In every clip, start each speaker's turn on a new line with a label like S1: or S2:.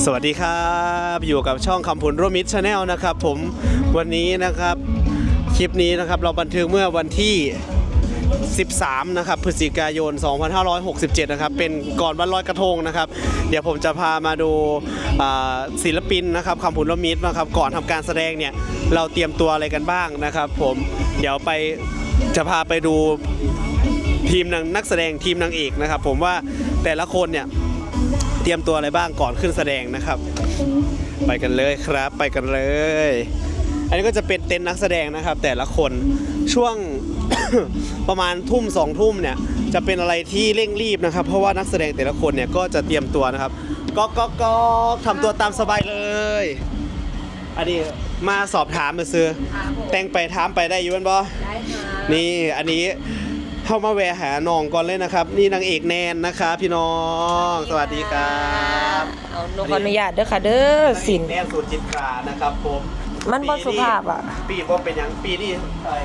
S1: สวัสดีครับอยู่กับช่องคำผลร่วมมิตรชาแนลนะครับผมวันนี้นะครับคลิปนี้นะครับเราบันทึกเมื่อวันที่13นะครับพฤศจิกายน2567นะครับเป็นก่อนวันลอยกระทงนะครับเดี๋ยวผมจะพามาดูศิลปินนะครับคำผลร่วมมิตรนะครับก่อนทำการแสดงเนี่ยเราเตรียมตัวอะไรกันบ้างนะครับผมเดี๋ยวจะพาไปดูทีมนักแสดงทีมนางเอกนะครับผมว่าแต่ละคนเนี่ยเตรียมตัวอะไรบ้างก่อนขึ้นแสดงนะครับไปกันเลยครับไปกันเลยอันนี้ก็จะเป็นเต็นท์นักแสดงนะครับแต่ละคนช่วง ประมาณทุ่ม2 ทุ่มเนี่ยจะเป็นอะไรที่เร่งรีบนะครับเพราะว่านักแสดงแต่ละคนเนี่ยก็จะเตรียมตัวนะครับก็ทำตัวตามสบายเลยอันนี้มาสอบถามมาซื้อแต่งไปถามไปได้อยู่บ้านบ่ได้ค่ะนี่อันนี้เข้ามาแวะหาน้องก่อนเลยนะครับนี่นางเอกแนนนะคะพี่น้องสวัสดีครับ
S2: เอาหนูขออนุญาตเด้อค่ะเด้อสิน
S1: แนนสูตรจิตรานะครับผม
S2: มันบ่สุภาพอ่ะ
S1: ปีบ่เป็นอย่างปีนี้อะไร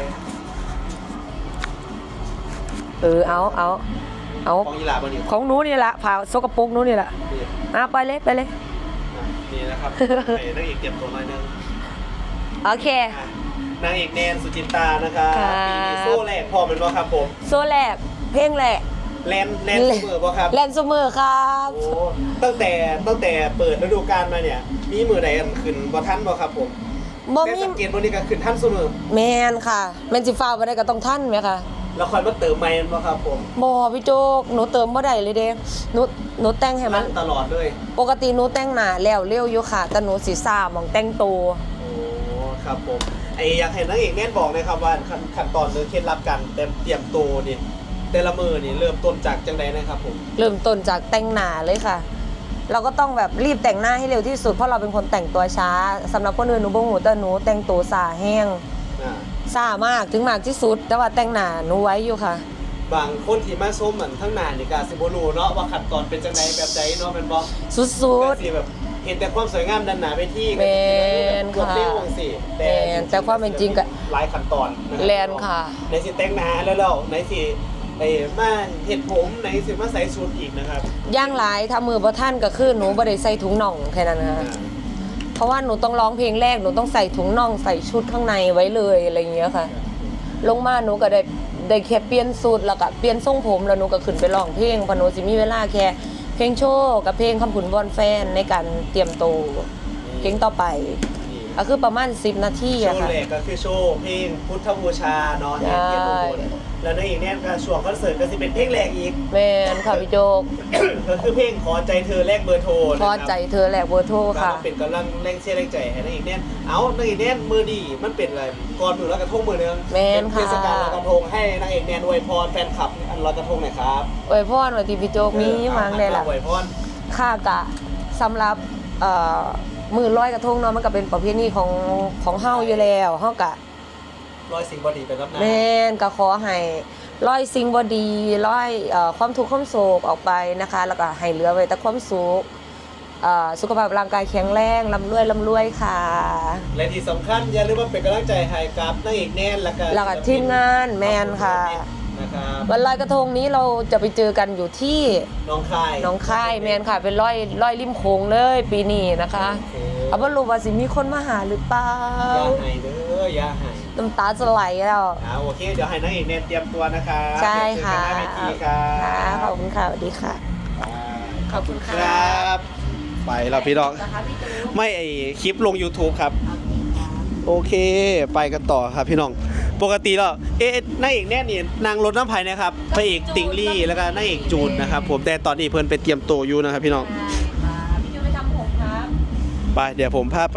S2: เอา
S1: ของยีราบ่นี่
S2: ของหนูนี่แหละผ่าสกปรกหนูนี่แหละไปเลย
S1: นี่นะครับนางเอกเตรียมตัวหน่อยนึง
S2: โอเคน
S1: างเอกแนนสุจิตรานะครับปีนี้โซ่แรกพอมันบ่ครับผม
S2: โซ่แรกเพลงแรก
S1: แลนซูเมอร์บ่ครับ
S2: แลนซูเมอร์ครับ
S1: โอ้ตั้งแต่เปิดฤดูกาลมาเนี่ยมีมือใดอันขึ้นบ่ทันบ่ครับผม
S2: บ่มี
S1: สังเกตบ่นี่ก็ขึ้นทันซุมื้อ
S2: แม่นค่ะแม่นสิฟ้าบ่ได้ก็ต้องทันแม่ค่ะ
S1: แล้วค่อยมาเติมใหม่บ่ครับผม
S2: บ่พี่โจ๊กหนูเติมบ่ได้เลยเด้หนูแต่งให้มัน
S1: ตลอดเลย
S2: ปกติหนูแต่งหน้าแล้วเร็วอยู่ค่ะแต่หนูสิซ่าหม่องแต่งตัว
S1: โอ้ครับผมอยากให้นางเอกแน่นบอกนะครับว่าขั้นตอนหรือเคล็ดลับการเตรียมตัวนี่แต่ละมือนี่เริ่มต้นจากจังไดนะครับผม
S2: เริ่มต้นจากแต่งหน้าเลยค่ะเราก็ต้องแบบรีบแต่งหน้าให้เร็วที่สุดเพราะเราเป็นคนแต่งตัวช้าสำหรับคนอื่นหนูบ่ฮู้แต่หนูแต่งตัวสาแห้งซ่ามากถึงมากที่สุดแต่ว่าแต่งหน้าหนูไว้อยู่ค่ะ
S1: บางคนที่มาชมเหมือนทั้งหน้านี่ก็สิบ่รู้เนาะว่าขั้นตอนเป็นจังไดแบบใดเนาะแม่นบ่
S2: สุด
S1: ๆสิแบบเห็นแต่ความสวยงามด้านหน้าเวที
S2: ก็
S1: คือค่ะ
S2: แต่ความเป็นจริงก็
S1: หลายขั้นตอน
S2: แลนค่ะ
S1: ในสิแต่งหน้าแล้วในสิมาเห็ดผมในสิมาใส่ชุดอีกนะครับ
S2: ย่างหลายถ้ามือบ่ทันก็คือหนูบ่ได้ใส่ถุงน่องแค่นั้นค่ะเพราะว่าหนูต้องร้องเพลงแรกหนูต้องใส่ถุงน่องใส่ชุดข้างในไว้เลยอะไรอย่างเงี้ยค่ะลงมาหนูก็ได้แค่เปลี่ยนสูตรแล้วก็เปลี่ยนทรงผมแล้วหนูก็ขึ้นไปร้องเพลงเพราะหนูสิมีเวลาแค่เพลงโชว์กับเพลงคำผุนวอนแฟนในการเตรียมตัวเพลงต่อไปก็คือประมาณ10 นาทีอะค่ะ
S1: โชว์แรกก็คือโชว์เพลงพุทธบูชาเนาะที่เทียนอุบลแล้วในอีกเนี่ยก็ช่วงคอนเสิร์ตก็จะเป็นเพลงแรกอีก
S2: แม่นค่ะพี่โจ๊ก
S1: ก็คือเพลงขอใจเธอแลกเบอร์โทร
S2: ขอใจเธอแลกเบอร์โทรค่ะ
S1: เป็นกำลังแรงเชียร์แรงใจให้ในอีกเนี่ยในอีกเนี่ยมือดีมันเป็นอะไรก่อนมือลอยกระทงมือนึง
S2: เป็น
S1: เทศกาลลอยกระทงให้นางเอกเนี่ยอวยพรแฟนคลับอันลอยกระทงหน่อยครับ
S2: อวยพรว่าที่พี่โจ๊กมีมั้งได้ล่ะ
S1: อวยพร
S2: ค่ะกะสำหรับมือลอยกระทงเนาะมันก็เป็นประเพณีของเฮาอยู่แล้วเฮากะ
S1: ร้อยสิ่งบดีไปรับหน้า
S2: แม่นก็ขอให้ร้อยสิ่งบดีร้อยความทุกข์ความโศกออกไปนะคะแล้วก็ให้เหลือไว้แต่ความสุขสุขภาพร่างกายแข็งแรงร่ำรวยค่ะ
S1: และที่สำคัญอย่าลืมว่าเป็นกำลังใจให้กับนางเอกแน่น
S2: แล้วก็ทีมงานแมนค่ะวันลอยกระทงนี้เราจะไปเจอกันอยู่ที่
S1: น้อง
S2: ค่ายแมนค่ะเป็นร้อยริมโขงเลยปีนี้นะคะเอาว่ารู้ว่าสิมีคนมาหาหรือเปล่า
S1: อย่าให้เด้ออย่าให้
S2: น้ำตาจะไหลแล้ว
S1: โอเคเดี๋ยวให้นางเอกแน่นเตรียมตัวนะคะ
S2: ใช่ค่ะขอบคุณค่ะสวัสดีค่ะ
S1: ขอบคุณครับไปแล้วพี่น้องไม่คลิปลง YouTube ครับโอเคไปกันต่อครับพี่น้องปกติแล้วนางเอกแน่นี่นางรถน้ำพายนะครับพระเอกติงลี่แล้วก็นางเอกจูนนะครับผมแต่ตอนนี้เพิ่นไปเตรียมตัวอยู่นะครับพี่น้อง
S2: พี่จูนไปทำผมครับ
S1: ไปเดี๋ยวผมพาไป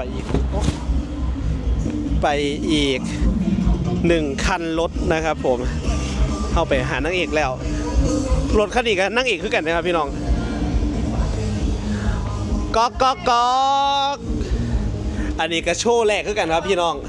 S1: อีก1 คันรถนะครับผมเข้าไปหานางเอกแล้วรถคันนี้กับนางเอกคือกันนะครับพี่น้องก๊อกอันนี้ก็โชว์แรกคือกันครับพี่น้อง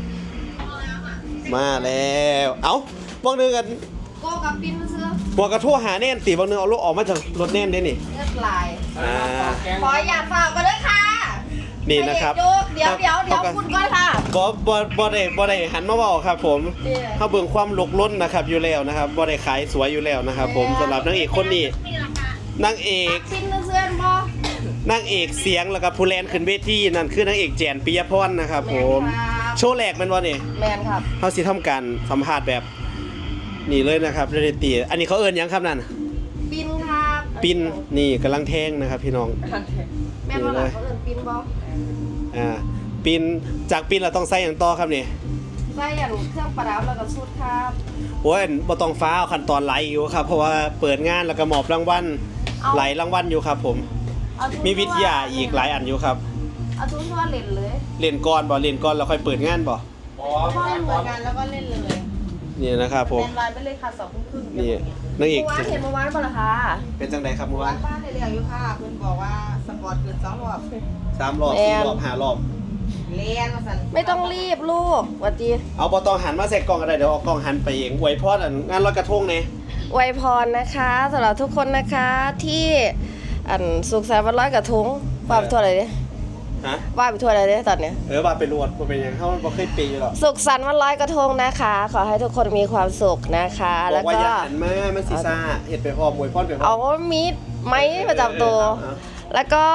S1: มาแล้วบางนึงกัน
S3: ก็กับปินมาซื้อ
S1: บอกกระทั่วหาแน่นตีบางนึงเอารถออกมาจากรถแน่นได้นี่
S3: เลือดไหลขออย่าฝากกันด้วยค่ะ
S1: นี่นะครับ
S3: เดี๋ยวคุณก้อยค่ะ
S1: บ่ได้หันมาบอกครับผมเขาเบิ่งความลกล้นนะครับอยู่แล้วนะครับบ่ได้ขายสวยอยู่แล้วนะครับผมสำหรับนางเอกคนนี้นางเอก
S3: ปินมาซื้อบ่
S1: นางเอกเสียงแล้วก็ผู้แลนขึ้นเวทีนั่นคือนางเอกแจนปิยพรนะครับผมโชว์แรกแมันบ่นี่
S2: แมนครับ
S1: เฮาสิทำการสัมภาษณ์แบบนี่เลยนะครับเรนตีอันนี้เขาเอิ้นหยังครับนั่น
S3: ปินครับ
S1: ปินนี่กำลังแทงนะครับพี่น้อง
S3: แม่นบ่ล่ะเขาเอิ้นปินบ่
S1: ปินจากปินเราต้องใส่อย่างต่อครับนี่
S3: ใส่อย่างเครื่องประดับแล้วก็ชุดครับ
S1: โอ้ยบ่ต้องฟ้าเอาขั้นตอนไหลอยู่ครับเพราะว่าเปิดงานแล้วก็มอบรางวัลไหลรางวัลอยู่ครับผม
S3: เอาทุน
S1: มีวิทยาอีกหลายอันอยู่ครับ
S3: เอาทุนทั่วเล่นเลย
S1: เรียนก่อนบ่เรียนก่อนแล้วค่อยเปิดงานบ่
S3: พ่อเล่นเหมือนกันแล้วก็เล่นเลย
S1: นี่นะครับผม
S3: แมนไลน์ไปเลยค่ะ2:30
S1: นี่นางเอก
S3: เมื่อวานเห็นเมื่อวานป่ะล่ะคะ
S1: เป็นจังไดครับเมื่อวาน
S3: บ้านในเรียงอยู่ค่ะเพิ่นบอกว่าสปอร์ตเกิน2 รอบ
S1: 3 รอบ 4 รอบ 5 รอบ
S3: เรียนมาสั่น
S2: ไม่ต้องรีบลูกหวัดดี
S1: เอาบ่ต้องหันมาใส่กล้องก็ได้เดี๋ยวเอากล้องหันไปเองอวยพรอันงานลอยกระทงนี่
S2: อวยพรนะคะสำหรับทุกคนนะคะที่สุขสันต์วันลอยกระทงว่าไปทั่วอะไรเนี่ย
S1: ฮะ
S2: ว่าไปทั่วอะไรเนี่ยตอนเนี้ย
S1: ว่าไปรวดบ่เป็นหยังเฮาบ่เคยปีอยู่หรอก
S2: สุขสันต์วันลอยกระทงนะคะ ขอให้ทุกคนมีความสุขนะคะ
S1: บ
S2: แล้
S1: อ
S2: ว
S1: กว่า
S2: ก็
S1: อย่าหันมามันสิซ่าเฮ็ดไปพร้อมอวยพรไปพร้อ
S2: เอา
S1: ม
S2: มีดไม้ประจำตัว แล้วก็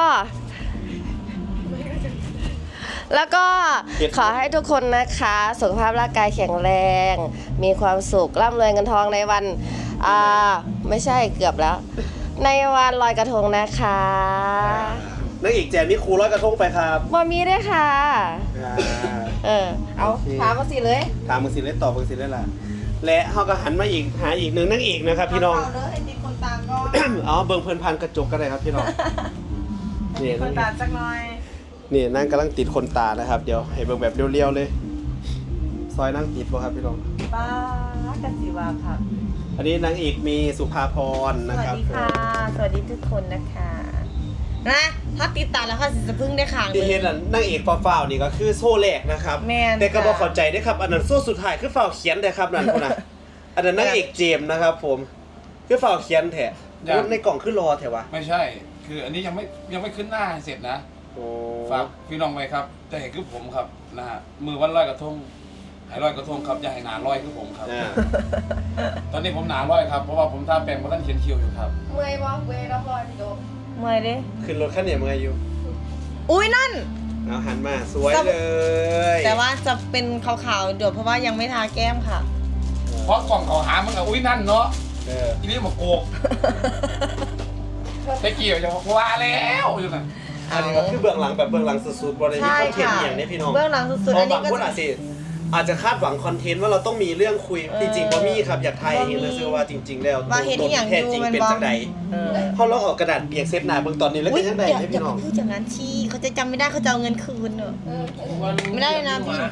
S2: ขอให้ทุกคนนะคะ สุขภาพร่างกายแข็งแรง มีความสุขร่ำรวยเงินทองในวันไม่ใช่เกือบแล้ว ในวันลอยกระทงนะคะ
S1: นางเอกแจนนี่ครูลอยกระทงไปครับ
S2: บอมีด้วยค่ะ
S3: เอาถามมาสิเลย
S1: ถามมึงสิเล่นตอบมึงสิเล่นล่ะและเฮาก็หันมาอีกหาอีกหนึ่งนางเอกนะครับพี่น้อง
S3: เาเลยให้ติดคนตามก่อน
S1: อ๋อเบิ่งเพิ่นผ่านกระจกก็ได้ครับพี่น้องนี่
S3: คนตามสักหน่อย
S1: นี่นั่งกำลังติดคนตานะครับ เดี๋ยวให้เบิ่งแบบเรียวๆเลย ซอยนั่งติดบ่ครับพี่น้อง
S3: ป้ากันสิว่าค่ะ
S1: อันนี้นางเอกมีสุภาพร
S3: ส
S1: นะ
S3: วัส
S1: ครับ
S3: ดีค่ะ สวัสดีทุกคนนะคะนะถ้าติดตามแล้วค่ะสิจะพึ่งได้ขัง
S1: ที่เห็นน่ะนางเอกฟ้าวๆนี่ก็คือโซ่แรกนะครับ
S3: แม่น
S1: แต่ก็บ่
S3: ค่ะ
S1: เข้าใจเด้อครับ อันนั้นโซ่สุดท้ายคือฟ้าวเขียนเด้อครับนั่นพุ่นน่ะอันนั้นนางเอกเจมส์นะครับ ผมคือฟ้าวเขียนแท้ในกล่องคือรอแท้วะ
S4: ไม่ใช่ คืออันนี้ยังไม่ขึ้นหน้าให้เสร็จนะ
S1: โอ้
S4: ฝากพี่น้องไว้ครับจะเห็นคือผมครับนะฮะมือวันลอยกระทงหายลอยกระทงครับอย่าให้หนาลอยคือผมครับ
S1: อ่า
S4: ตอนนี้ผมหนาลอยครับเพราะว่าผมทาแปรงเพราะท่านเขียนคิวอยู่ครับ
S3: เมื่อยบ่เมื่อยแล้วพอพี่โดม
S2: เมื่อยดิ
S1: ขึ้นรถคันนี้มึงอายุ
S5: อุ้ยนั่น
S1: เอาหันมาสวยเลย
S5: แต่ว่าจะเป็นขาวๆเดี๋ยวเพราะว่ายังไม่ทาแก้มค่ะ
S4: เพราะกล่องเขาหามันกับอุ้ยนั่นเนาะ
S1: เออ
S4: ทีนี้มาโกกตะเกียบจะว่าแล้วอยู่น่ะ
S1: อันนี้ก็คือเบื้องหลังแบบเบื้องหลังสุดๆบริ
S5: ใช่
S1: คอนเทน
S5: ค่ะ
S1: ต์อย่างนี้พี่น้อง
S5: เบื้องหลังสุดๆ
S1: เพ
S5: อั
S1: ราะ
S5: นนี้
S1: บาง
S5: ก็
S1: คนอาจจะคาดหวังคอนเทนต์ว่าเราต้องมีเรื่องคุยจริงๆบ่มีครับอยากไทย
S5: บ่มี
S1: เห็นเลยซื้อว่าจริง ๆ แล้ว
S5: ว่าเห็นที่อย่าง
S1: แท้จริง
S5: อยู่มัน
S1: เป็น
S5: บ่
S1: จังใดเขาลองเอากระดาษเปียกเซฟหน้าเบื้องตอนนี้แล้ว
S5: อุ้
S1: เป็
S5: ย
S1: นจังใด
S5: อย่า
S1: ให้
S5: อย่า
S1: พี่น้อง
S5: ไปพูดอย่างนั้นชี้เขาจะจำไม่ได้เขาจะเอาเงินคืนเนอะ ไม่ได้เลยนะพี่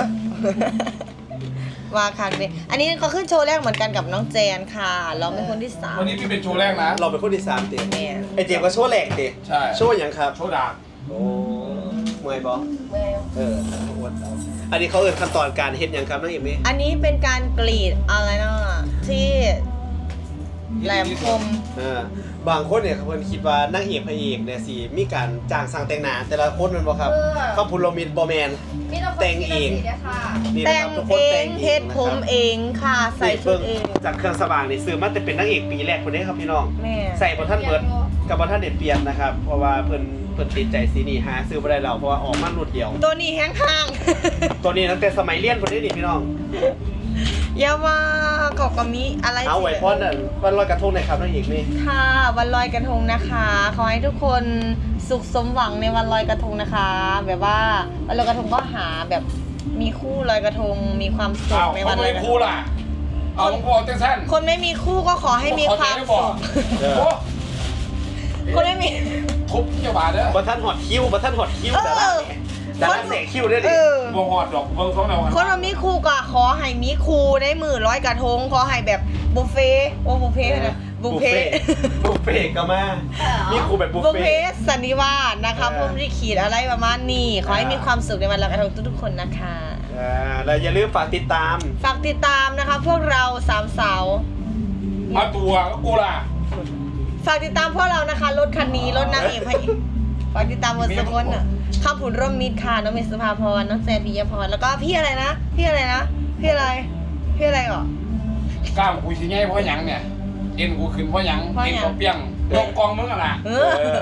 S5: ว่าค่ะเลยอันนี้เขาขึ้นโชว์แรกเหมือนกันกับน้องแจนค่ะ เราเป็นคนที่สาม
S4: วันนี้พี่เป็นโชว์แรกนะ
S1: เราเป็นคนที่3ติ
S5: แม่
S1: ไอเจมส์ก็โชว์แหลกติ
S4: ใช่
S1: โชว์อย่างครับ
S4: โชว์ดาบ
S1: โอ้เมื่อยบ่
S3: เมื่อย
S1: เอออวดเอาอันนี้เขาเอิ้นขั้นตอนการเฮ็ดหยังครับน้องเอมี่
S5: อันนี้เป็นการกรีดอะไรนะที่แหลมคม
S1: บางคนเนี่ยเพิ่นคิดว่านางเอกพระเอกเนี่ยสิมีการจ้างสร้างแต่งหน้าแต่ละคนแมันบ่ครับเขาพูดเรามีบ่แม่น
S3: มีน้องคน
S1: แต่งเอง
S3: สีด้วยค่ะ
S1: นี่นะ
S5: แต่
S1: ค
S5: ง
S1: รับทุกค
S5: เอน
S1: แต่
S5: ง
S1: ง
S5: เฮ็ดผมเองค่ะ ใส่ชุดเอง
S1: จากเครื่องสว่างนี่ซื้อมาแต่เป็นนางเอกปีแรกคนนี้ครับพี่น้อง
S5: แม่
S1: ใส่บ่ทันเบิดกับบ่ทันเด็ดเปลี่ยนนะครับ เพราะว่าเพิ่นติดใจสีนี้หาซื้อบ่ได้แล้วเพราะว่าออกมาหนุดเดียว
S5: ตัวนี้แห้งข้าง
S1: ตัวนี้ตั้งแต่สมัยเรียนคนนี้นี่พี่น้อง
S5: อย่าว่าเกาะกะมิอะไร
S1: เอาไว้พรน่ะวันลอยกระทงหน่อยครับนางเอกนี่
S5: ค่ะวันลอยกระทงนะคะ ขอให้ทุกคนสุขสมหวังในวันลอยกระทงนะคะ แบบว่าวันลอยกระทงก็หาแบบมีคู่ลอยกระทงมีความสุ
S4: เอา
S5: ขใน
S4: เขา
S5: วันล
S4: ไม่
S5: อยกระท
S4: คู่
S5: ง
S4: ล่ะเอาผมบอกเต้นสั้น
S5: คนไม่มีคู่ก็ขอให้มีความ
S4: บอ
S5: สุ
S4: ก
S5: ข
S4: โอ้
S5: คนไม่มี
S4: ทุบเจ้าบาทเด้อ
S1: บ่ทันฮอดคิวบ่ทันฮอดคิวแต่ละเนี่ยแต่ละเสกคิวได้
S5: เอ
S1: ดิ
S5: อ
S4: บ่หอดดอกเบิ่งสองแนว
S5: คนมามีคู่ก็ขอให้มีคู่ในมือลอยกระทงขอให้แบบบุฟเฟ่ต์โอ้บุฟเฟ่ต์นะบุฟเฟ่ต์
S1: บุฟเฟ่ก็มานี่ครูแบบบุฟ
S5: บุฟ
S1: เฟ่
S5: เฟ่ต์สันนิวาสนะคะ
S1: เออ
S5: พุ่มที่ขีดอะไรประมาณนี้ขอให้มีความสุขในวันลอยกระทงทุกๆคนนะคะ
S1: แล้วอย่าลืมฝากติดตาม
S5: ฝากติดตามนะคะพวกเราสามสาว
S4: มาตัวก็กูล่ะ
S5: ฝากติดตามพวกเรานะคะรถคันนี้รถนางเอกพระเอกฝากติดตามหมดทุกคนอ่ะข้ามผุนร่มมิตรค่ะน้องเมษสุภาพรน้องแซนปิยพรแล้วก็พี่อะไรนะพี่อะไรนะพี่อะไรพี่อะไรก่อน
S4: กล้ามกูสิไงเพราะหยังเนี่ยเอ็นกูขึ้นเพราะหยัง
S5: เพราะหยัง
S4: เอ็นก็เปี้ยงยกกองมึงอ่ะล่ะ
S5: เอ
S1: เอ
S5: อ
S1: อ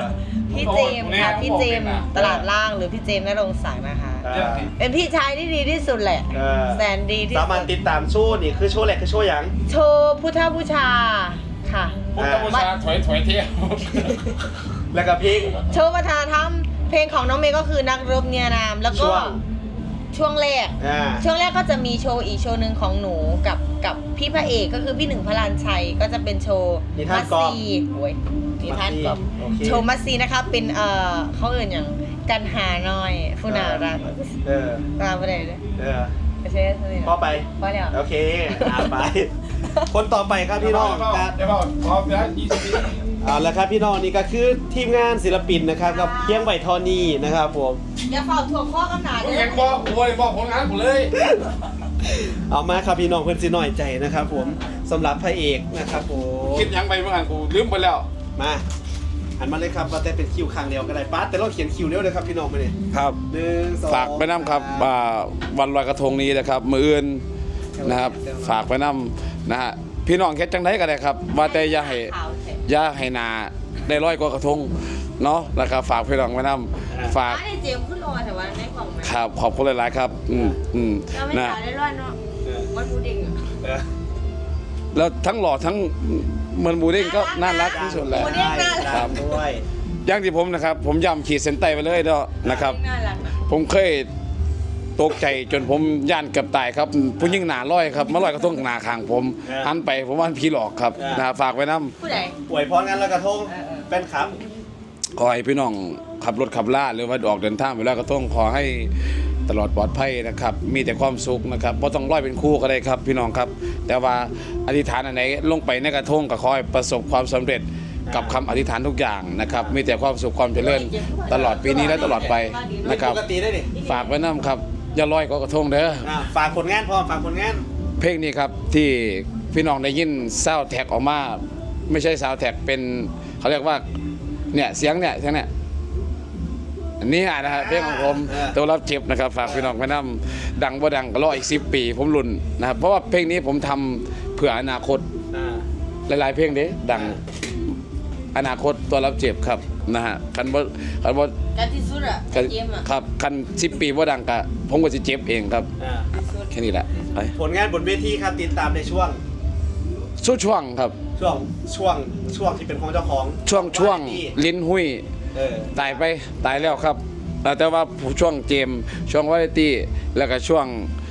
S5: พี่เจมส์ค่ะพี่เจมส์ตลาดล่างหรือพี่เจมส์ณรงค์ศักดิ์นะคะ เป็นพี่ชายที่ดีที่สุดแหละ แสนดีที่
S1: สามารถ
S5: สุด
S1: ติดตามโชว์นี่คือโชว์แรกคือโชว์หยัง
S5: โชว์พุทธบูชาค่ะ
S4: ผมตะบูชาถอยเที่ยว
S1: แล้วก็เพลง
S5: โชว์วัฒนธรรมเพลงของน้องเมย์ก็คือนักรบเนียนาม แล้วก็ ช่วงแรก ช่วงแรกก็จะมีโชว์อีกโชว์หนึ่งของหนูกับพี่พระเอกก็คือพี่หนึ่งพระลานชัยก็จะเป็นโชว์มัสซีโอ้ยนิทานกอบโชว์มัสซีนะคะเป็นเขาเอ่ยอย่างกันหาหน่อยฟูนารักตามไปเลยไม่ใช่สิ
S1: พอไป
S5: พอแล้ว
S1: โอเคไป คนต่อไปครับพี่น้อง
S4: เดี๋ยวบอกพร้อมแล้ว20 ปี
S1: เอาละครับพี่น้องนี่ก็คือทีมงานศิลปินนะครับกับเพียงใบทอนี่นะครับผม
S5: อย่าเฝ้าถ่วงข้อกันหนา
S4: ผม
S5: เล
S4: ยั
S5: ย
S4: งบอกผมเลยบอกผลงานผมเลย
S1: เอามาครับพี่น้องเพื่อนสิหน่อยใจนะครับผมสำหรับพระเอกนะครับผม
S4: คิดยังไปเมื่อกี้กูลืมไปแล้ว
S1: มาหันมาเลยครับว่าแต่เป็นคิวครั้งเดียวก็ได้ป้าแต่เราเขียนคิวเร็วเลยครับพี่น้องมาเนี่ย
S4: ครับ
S1: 1 2
S4: ฝากไปน้ำครับวันลอยกระทงนี้นะครับมืออื่นนะครับฝากไปน้ำนะฮะพี่น้องแค่จังไดก็ได้ครับว่าแต่อย่าให้นาได้ร้อยกว่ากระทงเนาะแล้วก็ฝากพี่น้องไปน้ำฝาก
S5: ไอ้เจมขึ้นรอแต่ว่าในกล่องไหม
S4: ครับขอบคุณหลายๆครับ
S5: เราไม่
S4: นะ
S5: ขายได้ร้อยเนาะวันบูดิ่ง
S4: แล้วทั้งหล่อทั้งเหมือนบูเด้งก็น่ารักที่สุดแหละ
S1: ครับด้วย
S4: อย่างที่ผมนะครับผมย้ำขีดเส้นใต้ไปเลยเนาะนะครับ
S5: น่ารักนะ
S4: ผมเคยตกใจจนผมย่านเกือบตายครับผู้ยิ่งหนาร้อยครับมาลอยกระทงหนาคางผมหันไปผมว่าผีหลอกครับนะฝากไว้น้
S5: ผู้ใด
S1: ป่วยพรกันแล้วกระทงเป็นครับ
S4: ำขอให้พี่น้องขับรถขับล่าหรือว่าออกเดินทางไปลอยกระทงขอให้ตลอดปลอดภัยนะครับมีแต่ความสุขนะครับเพราะต้องร้อยเป็นคู่ก็ได้ครับพี่น้องครับ แต่ว่าอธิษฐานอันไหนลงไปในกระทงก็ขอให้ประสบความสำเร็จกับคำอธิษฐานทุกอย่างนะครับมีแต่ความสุขความเจริญตลอดปีนี้และตลอดไปนะครับ
S1: ปกติได้ดิ
S4: ฝากไว้น้ำครับอย่าลอยก็กระทงเด้อ
S1: ฝากผลงานพร้อมฝากผลงาน
S4: เพลงนี้ครับที่พี่น้องได้ยินซาวด์แท็กออกมาไม่ใช่ซาวด์แท็กเป็นเขาเรียกว่าเนี่ยเสียงเนี่ยอันนี้นะครับเพลงของผมตัวรับเจ็บนะครับฝากพี่น้องไปนำดังบ่ดังก็รออีก10 ปีผมลุ้นนะครับเพราะว่าเพลงนี้ผมทำเผื่ออนาคตหลายๆเพลงเด้ดังอนาคตตัวรับเจ็บครับนะฮะคันบ่
S5: กันที่สุดอ่ะเจมอ่ะ
S4: ครับคัน10 ปีบ่ดังก็ผมก็สิเจ็บเองครับแค่นี้แหละไป
S1: ผลงานบนเวทีครับติดตามในช่วง
S4: ช่วงครับ
S1: ช่วงที่เป็นของเจ้าของ
S4: ช่วงลิ้นหุ้ย ตายไปตายแล้วครับแต่ว่าช่วงเจมช่วงวาไรตี้แล้วก็ช่วง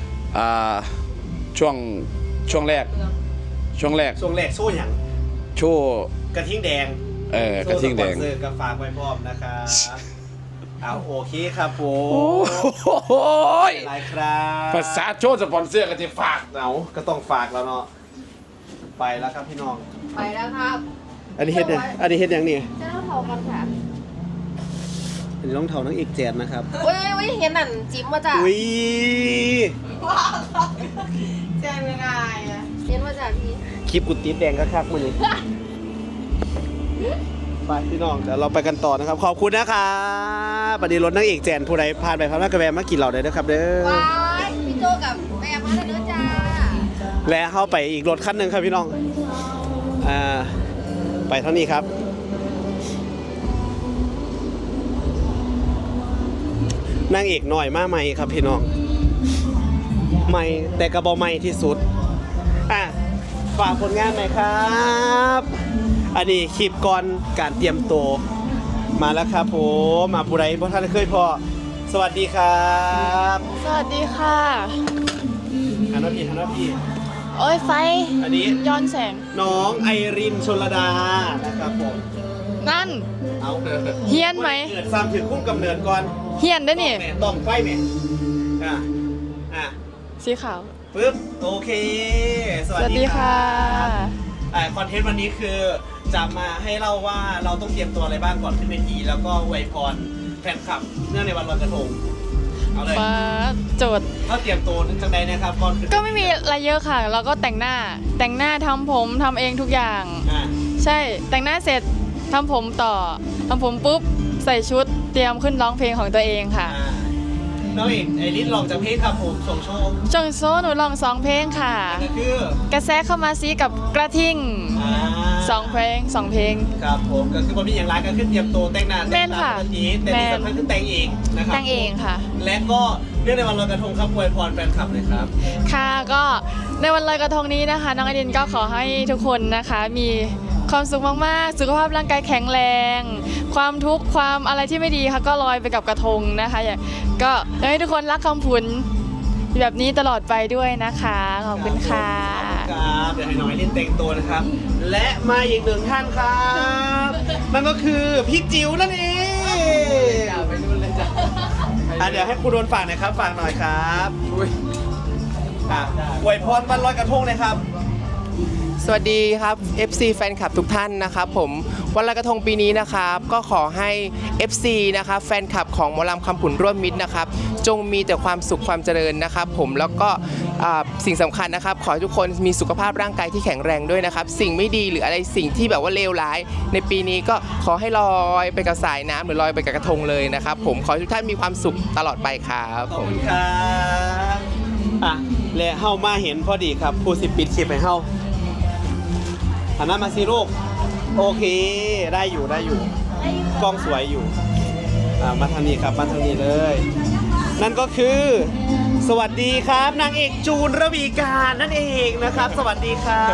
S4: แรก
S1: ช่วงแรกโซ่หยัง
S4: โชว์
S1: กระทิงแดง
S4: กระทิงแดง
S1: โซ่สปอนเซอร์ก็ฝากไว้พร้อมนะครับเอาโอเคครับผม
S4: โอ้ย
S1: หลายครับ
S4: ภาษาโชว์สปอนเซอร์ก็จะฝาก
S1: เอาก็ต้องฝากแล้วเนาะไปแล้วครับพี่น้อง
S5: ไปแล้วครับ
S1: อันนี้เฮ็ดเนี่ยอันนี้เฮ็ดยังนี่
S5: จะต้องเผากันค่ะ
S1: อันนี้รองเท้านังเอกแจนนะครับ
S5: เว้ยเห็นนั่นจิ้มมาจาก
S1: อุ้ย
S5: แจ้งไม่ได้อะเห็นมาจากพี่
S1: คลิปกุดตีแดงก็คักมื้อนี้ไปพี่น้องเดี๋ยวเราไปกันต่อนะครับขอบคุณนะครับบัดนี้รถนังเอกแจนผู้ใดผ่านไปผ่านมากระแวะมากินเหล่าได้นะครับเด้อ
S5: ว้ายพี่โจกับแม่มาแล้วเด้อจ้า
S1: และเข้าไปอีกรถคันหนึ่งครับพี่น้องไปเท่านี้ครับนางเอกหน่อยมาใหม่ครับพี่น้องใหม่แต่กระบอกใหม่ที่สุดฝากผลงานหน่อยครับอันนี้คลิปก่อนการเตรียมตัวมาแล้วครับผมมาผู้ใดเพราะท่านเคยพอสวัสดีครับ
S6: สวัสดีค่ะ
S1: ฮันนาพี่
S6: โอ้ยไฟ
S1: อันนี้
S6: ย้อนแสง
S1: น้องไอรินชลดานะครับผม
S6: นั่น
S1: เอา
S6: เฮี้ยนไหม
S1: เกิดซ้ำถึงคุ้มกำเนิดก่อน
S6: เฮียนได้นี่
S1: ต้องไฟแม่
S6: สีขาว
S1: ปึ๊บโอเค สวัสดีค่ะ คอนเทนต์วันนี้คือจะมาให้เล่าว่าเราต้องเตรียมตัวอะไรบ้างก่อนขึ้นเวทีแล้วก็อวยพรแฟนคลับเนื่องในวันลอยกระทงเอาเลย
S6: ฟ้าโจทย์
S1: ถ้าเตรียมตัวจังใดนะครับก่อนขึ้น
S6: ก็ไม่มีอะไรเยอะค่ะ เราก็แต่งหน้าทำผมทำเองทุกอย่าง ใช่แต่งหน้าเสร็จทำผมต่อทำผมปุ๊บใส่ชุดเตรียมขึ้นร้องเพลงของตัวเองค่ะ
S1: น้องเอกไอริสลองจากเพลงครับผมส่งโชว์
S6: จงโซหนูลอง2เพลงค่ะ
S1: ก็คือก
S6: ระแสเข้ามาซีกับกระทิง
S1: อ่า
S6: 2เพลง2เพลง
S1: ครับผมก็คือพอมีอย่างไรก็ขึ้นเตรียมตัวแต่งหน้า
S6: แม่
S1: แต่ง
S6: น
S1: ตา
S6: ค่ะ
S1: ปกติแต่ที่สำคัญคือแต่งเองนะครับ
S6: แต่งเองค่ะ
S1: และก็เรื่องในวันลอยกระทงครับอวยพรแฟนคลับเลยครับ
S6: ค่ะก็ในวันลอยกระทงนี้นะคะ น้องไอดินก็ขอให้ทุกคนนะคะ มีความสุขมากๆ สุขภาพร่างกายแข็งแรง ความทุกข์ความอะไรที่ไม่ดีค่ะก็ลอยไปกับกระทงนะคะก็อยากให้ทุกคนรักคำผุนแบบนี้ตลอดไปด้วยนะคะขอบคุณค่ะ
S1: ครับเดี๋ยวให้น้องไอรินแต่งตัวนะครับ และมาอีกหนึ่งท่านครับนั่นก็คือพี่จิ๋วนั่นเองเดี๋ยวให้ครูโดนฝากหน่อยครับฝากหน่อยครับอวยพรวันลอยกระทงเลยครับ
S7: สวัสดีครับ FC แฟนคลับทุกท่านนะครับผมวันลอยกระทงปีนี้นะครับก็ขอให้ FC นะครับแฟนคลับของหมอลำคำผุนร่วมมิตรนะครับจงมีแต่ความสุขความเจริญนะครับผมแล้วก็สิ่งสำคัญนะครับขอให้ทุกคนมีสุขภาพร่างกายที่แข็งแรงด้วยนะครับสิ่งไม่ดีหรืออะไรสิ่งที่แบบว่าเลวร้าย ในปีนี้ก็ขอให้ลอยไปกับสายน้ำหรือลอยไปกับกระทงเลยนะครับผมขอให้ทุกท่านมีความสุขตลอดไปครับ
S1: ขอบคุณครับและเฮามาเห็นพอดีครับผู้สิปิดคลิปให้เฮาหันหน้ามาสิลูกโอเคได้อยู่กล้องสวยอยู่มาทางนี้ครับมาทางนี้เลย นั่นก็คือ สวัสดีครับนางเอกจูนระวีการนั่นเองนะครับ สวัสดีครับ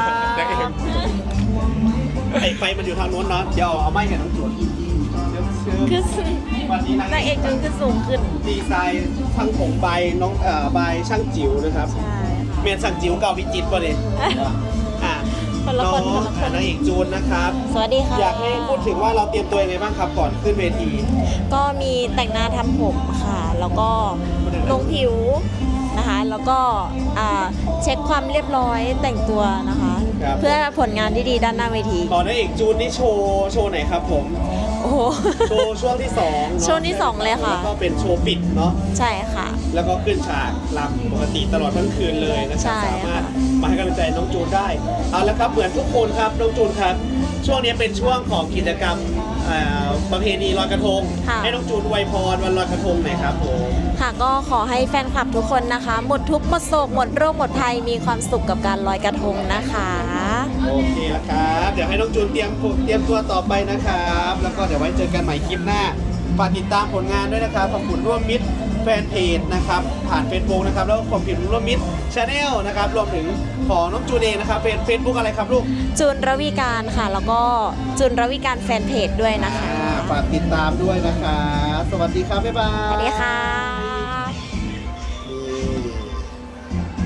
S1: ไอ้ไฟมันอยู่ทางโน้นเนาะเดี๋ยวเอาไม้เห็นน้องจูนคือวันนี้นางเอกจูนคือสูงขึ้นดีไซน์ช่างผมใบน้องใบช่างจิ๋วนะครับใช่เมียนช่างจิ๋วเก่าพิจิตรป่ะเนี่ยน้องนางเอกจูนนะครับ
S8: สวัสดีค่ะ
S1: อยากให้พูดถึงว่าเราเตรียมตัวยังไงบ้างครับก่อนขึ้นเวที
S8: ก็มีแต่งหน้าทำผมค่ะ แล้วก็ลงผิวนะคะ แล้วก็เช็คความเรียบร้อยแต่งตัวนะคะ
S1: ครับ
S8: เพื่อผลงานที่ดีด้านหน้าเวที
S1: ตอนนางเอกจูนนี่โชว์ไหนครับผม
S8: โอ้โห
S1: โชว์ช่วงที่2เนอะ
S8: ช่วงที่สองเลยค่ะ
S1: แล้วก็เป็นโชว์ปิดเนาะ
S8: ใช่ค่ะ
S1: แล้วก็ขึ้นฉากรำปกติตลอดทั้งคืนเลยนะค
S8: ใช่
S1: รับ
S8: ค่ะ
S1: สามารถมาให้กำลังใจน้องจูนได้ เอาละครับเหมือนทุกคนครับน้องจูนครับ ช่วงนี้เป็นช่วงของกิจกรรมประเพณีลอยกระทง ให้น้องจูนอวยพรวันลอยกระทงหน่อยครับผม
S8: ค่ะก็ขอให้แฟนคลับทุกคนนะคะ หมดทุกข์หมดโศกหมดโรคหมดภัยมีความสุขกับการลอยกระทงนะคะ
S1: โอเคแล้วครับ เดี๋ยวให้น้องจูนเตรียมตัวต่อไปนะครับ แล้วก็เดี๋ยวไว้เจอกันใหม่คลิปหน้า ฝากติดตามผลงานด้วยนะครับของคุณร่วมมิตรแฟนเพจนะครับ ผ่าน Facebook นะครับ แล้วก็ของพิมพ์ร่วมมิตรชาแนลนะครับ รวมถึงของน้องจูนเองนะครับเฟซบุ๊กอะไรครับลูก
S8: จูนระวีการค่ะ แล้วก็จูนระวีการแฟนเพจด้วยนะคะ
S1: ฝากติดตามด้วยนะครับ สวัสดีครับ บ๊ายบาย
S8: สวัสดีค่ะ